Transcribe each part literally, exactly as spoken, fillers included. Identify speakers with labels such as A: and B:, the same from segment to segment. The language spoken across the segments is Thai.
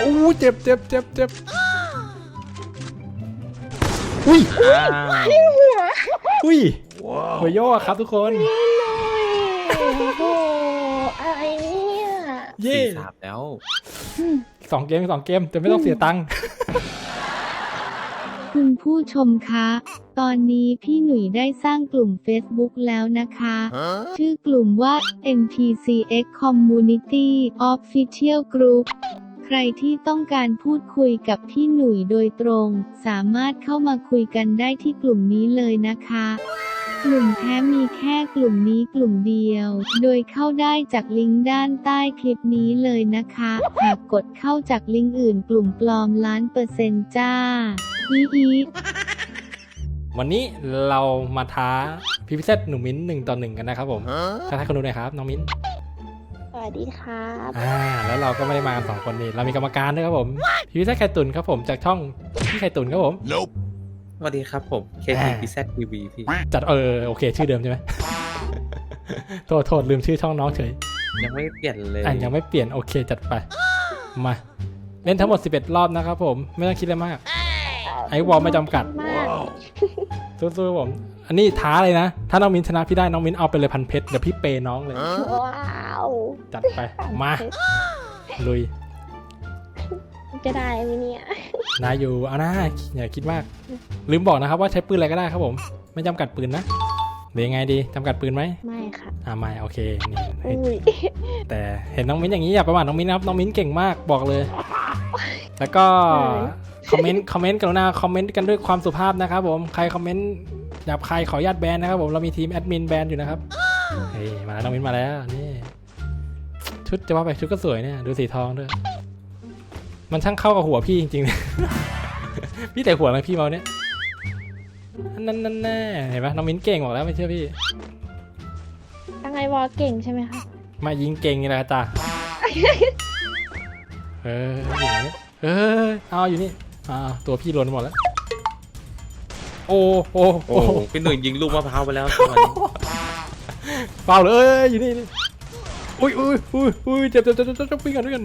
A: อู้เจ็บเจ็บเจ็บเจ็บอุ้ยอุ้ยหัวโยกครับทุกคน
B: โอ้โหอะไรเนี่ย
A: เย่
C: สามแล้ว
A: สองเกมสองเกมแต่ไม่ต้องเสียตังค์
D: คุณผู้ชมคะตอนนี้พี่หนุ่ยได้สร้างกลุ่ม Facebook แล้วนะคะชื่อกลุ่มว่า เอ็น พี ซี เอ็กซ์ Community Official Group ใครที่ต้องการพูดคุยกับพี่หนุ่ยโดยตรงสามารถเข้ามาคุยกันได้ที่กลุ่มนี้เลยนะคะกลุ่มแท้มีแค่กลุ่มนี้กลุ่มเดียวโดยเข้าได้จากลิงก์ด้านใต้คลิปนี้เลยนะคะหากกดเข้าจากลิงก์อื่นกลุ่มปลอมล้านเปอร์เซ็นต์จ้าอีอี
A: วันนี้เรามาท้าพี่พิเศษหนุ่มมิ้นหนึ่งต่อหนึ่งกันนะครับผมทักทายคนดูหน่อยครับน้องมิ้น
B: สวัสดีครับ
A: อ่าแล้วเราก็ไม่ได้มากันสองคนนี่เรามีกรรมการด้วยครับผมพี่พิเศษไข่ตุนครับผมจากช่องพี่ไข่ตุนครับผม
C: nope. สวัสดีครับผมเคทีพิเศษทีวีพี่
A: จัดเออโอเคชื่อเดิมใช่ไหม โทษโทษลืมชื่อช่องน้องเฉย
C: ยังไม่เปลี่ยนเลย
A: อ่ะยังไม่เปลี่ยนโอเคจัดไปมาเล่นทั้งหมดสิบเอ็ดรอบนะครับผมไม่ต้องคิดอะไรมากไอ้วอลไม่จำกัดสู้ๆผมอันนี้ท้าเลยนะถ้าน้องมิ้นชนะพี่ได้น้องมิ้นเอาไปเลยพันเพชรเดี๋ยวพี่เปย์น้องเลย
B: ว้าว
A: จัดไปมาลุย
B: จะได้ไหมเนี่ย
A: นายอยู่เอาหน้าอย่าคิดมากลืมบอกนะครับว่าใช้ปืนอะไรก็ได้ครับผมไม่จำกัดปืนนะหรือยังไงดีจำกัดปืนไหม
B: ไม่ค่ะ
A: อ่าไม่โอเคนี่แต่เห็นน้องมิ้นอย่างนี้อย่าประมาทน้องมิ้นนะครับน้องมิ้นเก่งมากบอกเลยแล้วก็คอมเมนต์คอมเมนต์กรุณาคอมเมนต์กันด้วยความสุภาพนะครับผมใครคอมเมนต์หยาบคายขออนุญาตแบนนะครับผมเรามีทีมแอดมินแบนอยู่นะครับเฮ้ยมาแล้วน้องมิ้นมาแล้วนี่ชุดจะว่าไปชุดก็สวยเนี่ยดูสีทองด้วยมันช่างเข้ากับหัวพี่จริงๆ พี่แต่หัวอะไรพี่เมาเนี่ยนั่นนั่นแน่เห็นไหมน้องมิ้นเก่งบอกแล้วไม่เชื่อพี่
B: ตั้งไอวอลเก่งใช่ไหมคะ
A: มายิงเก่งนี่แหละจ้าเอออยู่ไหนเออเอาอยู่นี่อ่าตัวพี่โดนหมดแล้วโอ้โอ้
C: โอ้พี่หนุ่ยยิงลูกมะพร้าวไปแล้ว
A: เปล่าเลยอยู่นี่นี่อุ้ยอุ้ยอุ้ยอุ้ยเจ็บเจ็บเจ็บเจ็บปิ้งกันด้วยกัน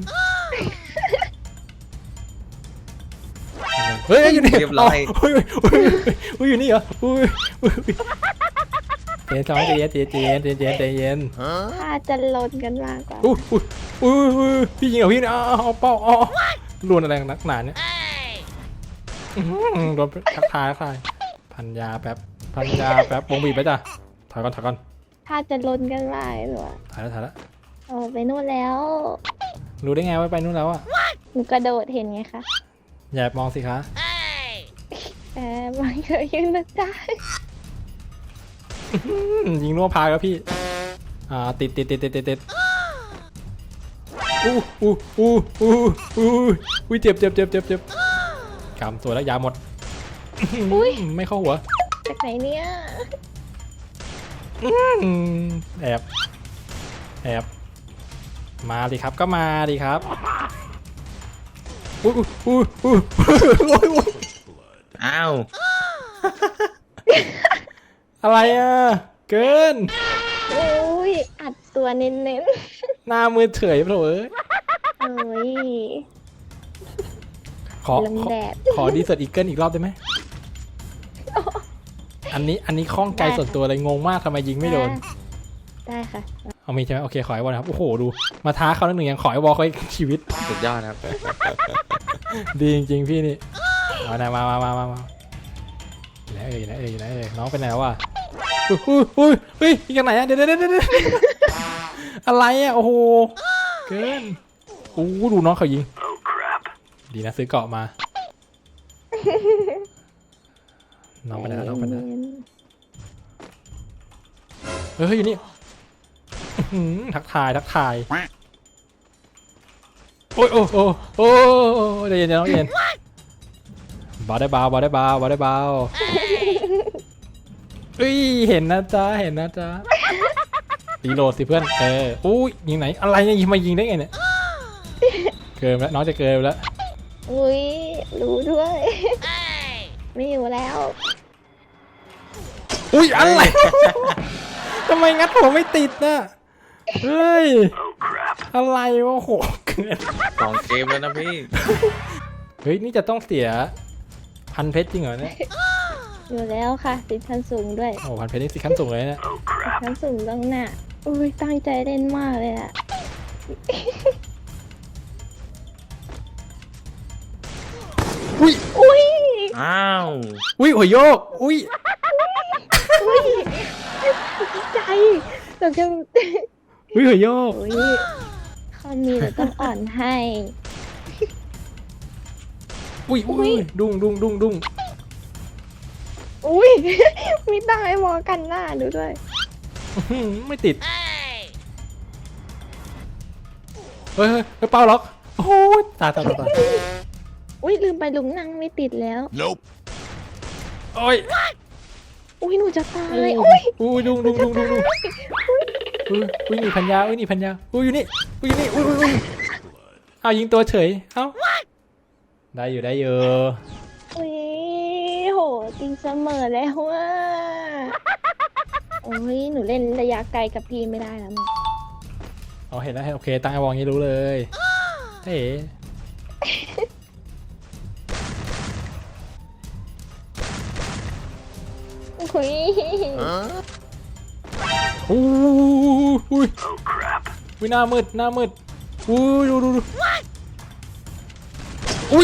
A: เฮ้ยอยู่นี่
C: เรียบร้อย
A: อุ้ยอุ้ยอุ้ยอยู่นี่เหรออุ้ยอุ้ยเย็นสองใจเย็นใจเย็นใจเย็นใจเย็น
B: ถ้าจะลนกันมากกว่า
A: อุ้ยอุ้ยอุ้ยพี่ยิงเหรอพี่เนี่ยเอาเป้าอ๋อล้วนอะไรนักหนาเนี่ยโดนทักทายทักทายพันยาแป๊บพันยาแป๊บวงบีบไปจ้ะถอยก่อนถอยก่อน
B: ถ้าจะลนกันมากหรอ
A: ถ่ายแล้วถ่ายแล้ว
B: โอ้ไปนู่นแล้ว
A: รู้ได้ไงว่าไปนู่นแล้วอ่ะ
B: หนูกระโดดเห็นไงคะ
A: อย่ามองสิคะ
B: แอบมันเคยยืนนะจ๊ะ
A: ยิงนัวพาครับพี่อ่าติดติดติดติดติดติดอู้อู้อู้อู้อู้อุ้ยเจ็บเจ็บเจ็บเจ็บเจ็บกำตัวแล้วยาหมดอุ้ยไม่เข้าหัว
B: จากไหนเนี่ย
A: แอบแอบมาดิครับก็มาดิครับอู้อู้อู้อู้
C: อ้าว
A: อะไรอ่ะเกิน
B: โอ้ยอัดตัวเน้น
A: ๆหน้ามือเฉยเปล่าเอ้ย
B: โอ้ย
A: ขอขอดีเซอร์อีเกิลอีกรอบได้ไหมอันนี้อันนี้คล่องใจส่วนตัวเลยงงมากทำไมยิงไม่โดน
B: ได้ค่ะ
A: เอามีใช่ไหมโอเคขอไอ้บอลครับโอ้โหดูมาท้าเขาหนึ่งยังขอไอ้บอลเขาชีวิต
C: สุดยอดครับ
A: ดีจริงๆพี่นี่เอาไหนมามามามามาไหนเอ่ยไหนเอ่ยไหนเอ่ยน้องไปไหนวะอุ้ยอุ้ยอุ้ยยิงกันไหนอะเดี๋ยวเดี๋ยวเดี๋ยวอะไรอะโอ้โหเกินโอ้ดูน้องเขายิงดีนะซื้อเกาะมาน้องไปไหนน้องไปไหนเฮ้ยอยู่นี่ทักทายทักทายโอ้ยโอ้โอ้โอ้เดี๋ยวเย็นน้องเย็นบาได้เบาบาได้เบาบาได้เบาเอ้ยเห็นนะจ๊ะเห็นนะจ๊ะรีโหลดสิเพื่อนเอออุ้ยยิงไหนอะไรเนี่ยยิงมายิงได้ไงเนี่ยเกินแล้วน้องจะเกินแล้ว
B: อุ้ยรู้ด้วยไม่อยู่แล้ว
A: อุ้ยอะไรทำไมงัดผมไม่ติดน่ะเฮ้ยอะไรวะโห
C: สองเกมแล้วนะพี่
A: เฮ้ยนี่จะต้องเสียพันเพชรจริงเหรอเนี่ย
B: อยู่แล้วค่ะติดชั้นสูงด้วย
A: โอ้พันเพชรนี่สิขั้นสูงเลยเนี่ย
B: ติดชั้นสูงต้องหน้าอุ้ยตั้งใจเล่นมากเลยอะ
A: อุ้ย
B: อุ้ย
C: อ้าว
A: อุ้ยหัวโยกอุ้ย
B: อุ้ยดีใจแต่จะ
A: อุ้ยหัวโยก
B: อุ้ยคอนมีเราต้องอ่อนให้
A: อุ้ยอุ้ยดุ้งดุ้งดุ้งดุ้ง
B: อุ้ย มีตั้งไอ้วอกันหน้าดูด้วย
A: อื้อหือไม่ติดเฮ้ยเฮ้ยเฮ้ยเป้าล็อกโอ้ยตายตายตายตาย
B: อุ้ยลืมไปลุงนั่งไม่ติดแล้ว
A: โอ้ย
B: อุ้ยหนูจะตายอุ้ย
A: อุ้ยดุ้งดุ้งดุ้งดุ้งดุ้งอุ้ยอุ้ยนี่พันยาอุ้ยนี่พันยาอุ้ยอยู่นี่อุ้ยอยู่นี่อุ้ยอุ้ยอุ้ยเอายิงตัวเฉยเอ้าได้อยู่ได้อยู่
B: อุ้ยโหตีเสมอแล้วว่าโอ้ยหนูเล่นระยะไกลกับพี่ไม่ได้แล้วมั้ง
A: เอาเห็นแล้วโอเคตั้งไอวองนี้รู้เลยเฮ้
B: อุ้ย
A: โอ้ยอุ้ยอุ้ยหน้ามืดหน้ามืดอุ้ยดูดูดูอุ้ย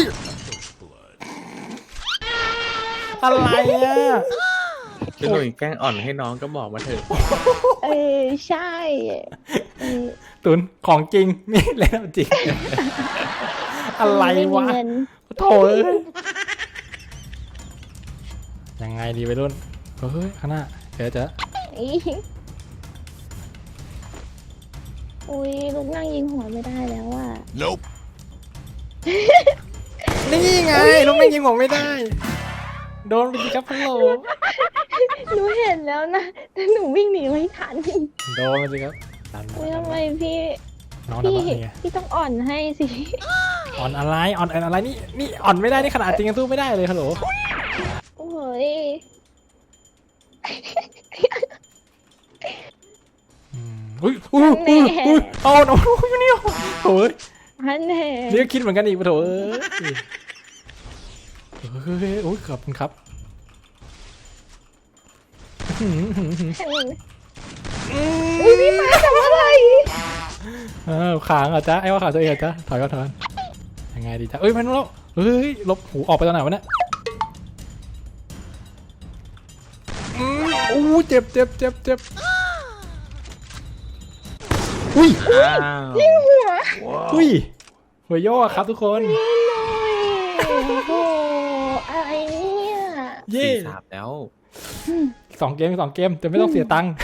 A: อะไรอ่ะ
C: พี่หนุ่ยแกล้งอ่อนให้น้องก็บอกมาเถอะ
B: เออใช่เออ
A: ตุนของจริงนี่แล้วจริง อะไร
B: ม่มี
A: วะ
B: เงิน
A: โถ่เอ้ยยังไงดีไปรุ่นเฮ้ยข้างหน้าเดี๋ยวจะ
B: อีอุ้ยลูกนั่งยิงหัวไม่ได้แล้วอ่ะ
A: นี่ไงลูกไม่ยิงผมไม่ได้ โดนไปสิครับพังโหล
B: หนูเห็นแล้วนะแต่หนูวิ่งหนีไม่ทัน
A: โดนไปสิครับดันมา
B: อุ้ย
A: ดัน
B: ทำไม
A: มา
B: พี่
A: น้อง
B: พี่
A: ทำอะไรไง
B: พี่ต้องอ่อนให้สิ
A: อ่อนอะไรอ่อนอะไรนี่นี่อ่อนไม่ได้นี่ขนาดจริงยังสู้ไม่ได้เลยฮัลโหล
B: โอ้ย
A: อืมอุ้ยอุ้ยอุ้ยอุ้ยเอาหนูไม่เนี่ยโถ่เอ้ย
B: ฮันแน่
A: นี่ก็คิดเหมือนกันอีกปะโถเอ้ยเฮ้ยโอ้ยขอบคุณครับอื้อหือหือหือ
B: อุ้ยพี่มาทำอะไร
A: เออขางเหรอจ๊ะไอ้ว่าขาตัวเองเหรอจ๊ะถอยก่อนถอยก่อนยังไงดีจ๊ะเอ้ยมันแล้วเฮ้ยลบหูออกไปตอนไหนวะเนี่ยอืมอู้เจ็บเจ็บเจ็บเจ็บอุ้ย
C: อ้าว
B: หัว
A: อุ้ยหัวโยกอะครับทุกคน
B: โอ้โหอะไรเนี่ย
A: เย่
C: สี่สามแล้ว
A: สองเกมสองเกมแต่ไม่ต้องเสียตังค์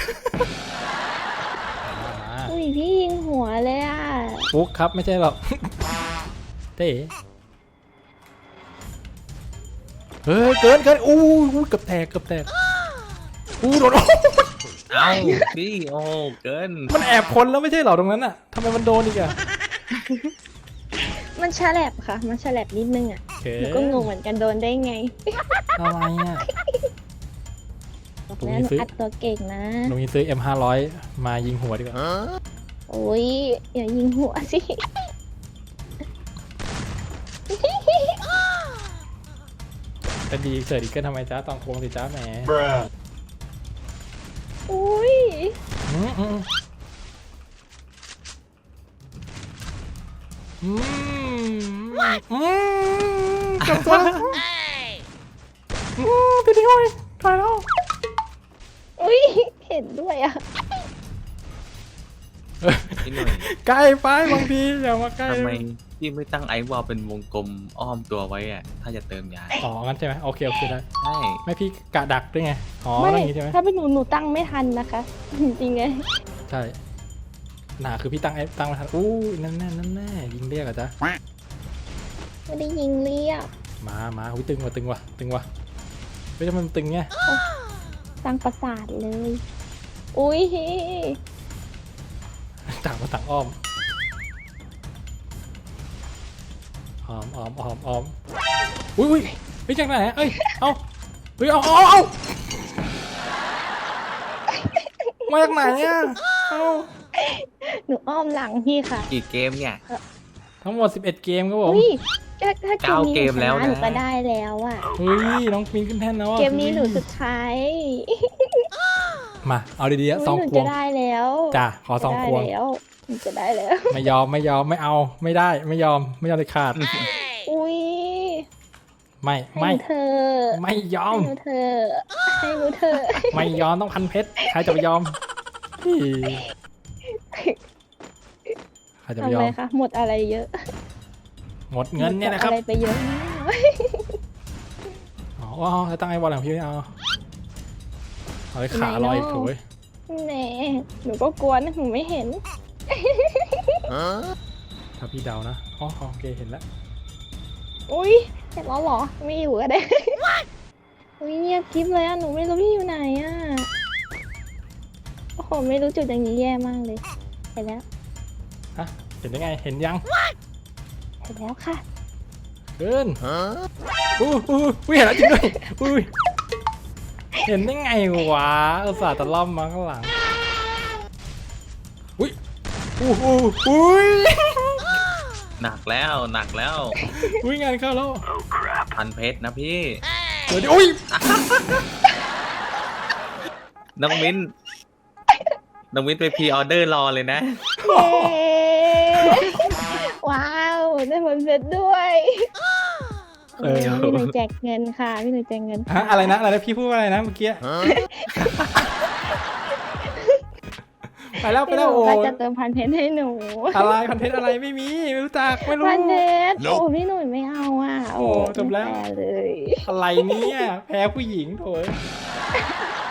A: มา
B: อุ้ยพี่ยิงหัวเลยอ่ะ
A: ฟุกครับไม่ใช่หรอกเต้เฮ้ยเกินเกินอู้อู้เกือบแตกเกือบแตกอู้โดน
C: เอ้าพี่โอ้เกิน
A: มันแอบคนแล้วไม่ใช่เหรอตรงนั้นอ่ะทำไมมันโดนอีกอะ
B: มันฉลบค่ะ มันฉลบนิดนึงอ่ะ
A: โอเค
B: หนูก็งงเหมือนกันโดนได้ไง
A: อะไรอ่ะ
B: บอกแล้วหนูอัดตัวเก่งนะ
A: ลงยิงซื้อ เอ็ม ห้าร้อย มายิงหัวดีกว่า
B: โอ้ยอย่ายิงหัวสิ
A: จะดีเสิร์ฟอีกเกินทำไมจ้าตองโกงสิจ้าแหม
B: อุ้ย
A: อืมอืมอืมอืมจับตัวอืมไปดิโอ้ยถอยแล้ว
B: อุ้ยเห็นด้วยอ่ะ
C: พี่หนุ่ย
A: ใกล้ไปบางทีอย่ามาใกล้
C: ทำไมพี่ไม่ตั้งไอวอลเป็นวงกลมอ้อมตัวไว้อะถ้าจะเติมยา
A: อ๋องั้นใช่ไหมโอเคโอเคได้
C: ใช่
A: ไม่พี่กะดักด้วยไงอ๋อ
B: ไม่
A: อะไรอย่างงี้ใช่ไหม
B: ถ้าเป็นหนูหนูตั้งไม่ทันนะคะ จริงๆไง
A: ใช่หนาคือพี่ตั้งไอ้ตั้งมาทันอู้นั่นแน่นั่นแน่ยิงเรียกอะจ๊ะ
B: ไม่ได้ยิงเรียก
A: มามาอุ้ยตึงว่ะตึงว่ะตึงว่ะเฮ้ยทำไมมันตึงไง
B: ตั้งประสาทเลย อุ้ย
A: ต่างมาต่างอ้อมอ้อมอ้อมอ้อมอ้อมอุ้ยอุ้ยเฮ้ยจากไหนอะเอ้ยเอาเฮ้ยเอาเอาเอาเอามาจากไหนอะเอา
B: หนูอ้อมหลังพี่ค่ะ
C: กี่เกมเนี่ย
A: ทั้งหมดสิบเอ็ดเกมครับผม
B: อุ้ยถ้าถ้าเกม
C: เก้า
B: นี้
C: เก
B: หนู
C: ม
B: ช
C: แล้ว
B: นะ
C: นะ
B: หนูก็ได้แล้วอ่ะ
A: เฮ้ยน้องมินขึ้นแท่นแล้วอะ
B: เกมนี้หนูสุดท้าย
A: มาเอาดีๆอะ
B: อุ๊ย
A: สอง
B: หนู
A: คว
B: จะ
A: ง
B: ได้แล้ว
A: จ้ะขอสอง
B: จะ
A: ควง
B: ได้แล้วหนูจะได้แล้ว
A: ไม่ยอมไม่ยอมไม่เอาไม่ได้ไม่ยอมไม่ยอมเลยขาด
B: อุ้ย
A: ไม่
B: ให้
A: ไม่
B: หนูเธอะ
A: ไม่ยอ
B: ให้
A: ม
B: หนูเธอะให้หนูเธอะ
A: ไม่ยอมต้องพันเพชรใครจะไปยอมอี้ใครจะไป
B: ทำ
A: ยอ
B: ไม
A: ม
B: คะหมดอะไรเยอะ
A: หมดเงินเนี่ยนะครับ
B: หมดอะไรไปเยอะมาก
A: อ๋อจะตั้งไอ้บอลของพี่ไม่เอาเอาไอ้ขาลอยอีกโถย
B: แหน่หนูก็กลัวนะหนูไม่เห็น
A: ถ้าพี่เดานะอ๋อโอเคเห็นแล้ว
B: อุ้ยเห็นแล้วเหรอไม่อยู่ก็ได้ อุ้ยเงียบกริบเลยอ่ะหนูไม่รู้พี่อยู่ไหนอ่ะโอ้โหไม่รู้จุดอย่างนี้แย่มากเลยเห็นแล้ว
A: ฮะเห็นได้ไงเห็นยัง
B: เห็นแล้วค่ะ
A: เกินอู้อู้อุ้ยเห็นแล้วจริงด้วยอุ้ยเห็นได้ไงวะอุตส่าห์ตะล่อมมาข้างหลังอุ้ยอู้อู้อุ้ย
C: หนักแล้วหนักแล้ว
A: อุ้ยงานเข้าแล้ว
C: พันเพชรนะพี่
A: เดี๋ยวดิอุ้ย
C: น้องมิ้นน้องมิ้นไปพรีออเดอร์รอเลยนะ
B: เย้ว้าวได้ผลเสร็จด้วย
A: เออ
B: พี่หนูแจกเงินค่ะพี่หนูแจกเงิน
A: ฮะอะไรนะอะไรนะพี่พูดว่าอะไรนะเมื่อกี้ไปแล้วไป
B: พี่ห
A: แล้ว
B: นู
A: โอ้
B: ก็จะเติมพันเพชรให้หนู
A: อะไรคอนเทนต์อะไรไม่มีไม่รู้จักไม่รู้
B: พันเพชรโอ้พี่หนุ่ยไม่เอาอ่ะ
A: โอ้จบแล้ว
B: ไม่ฟร์เลย
A: อะไรเนี่ยแพ้ผู้หญิงโถย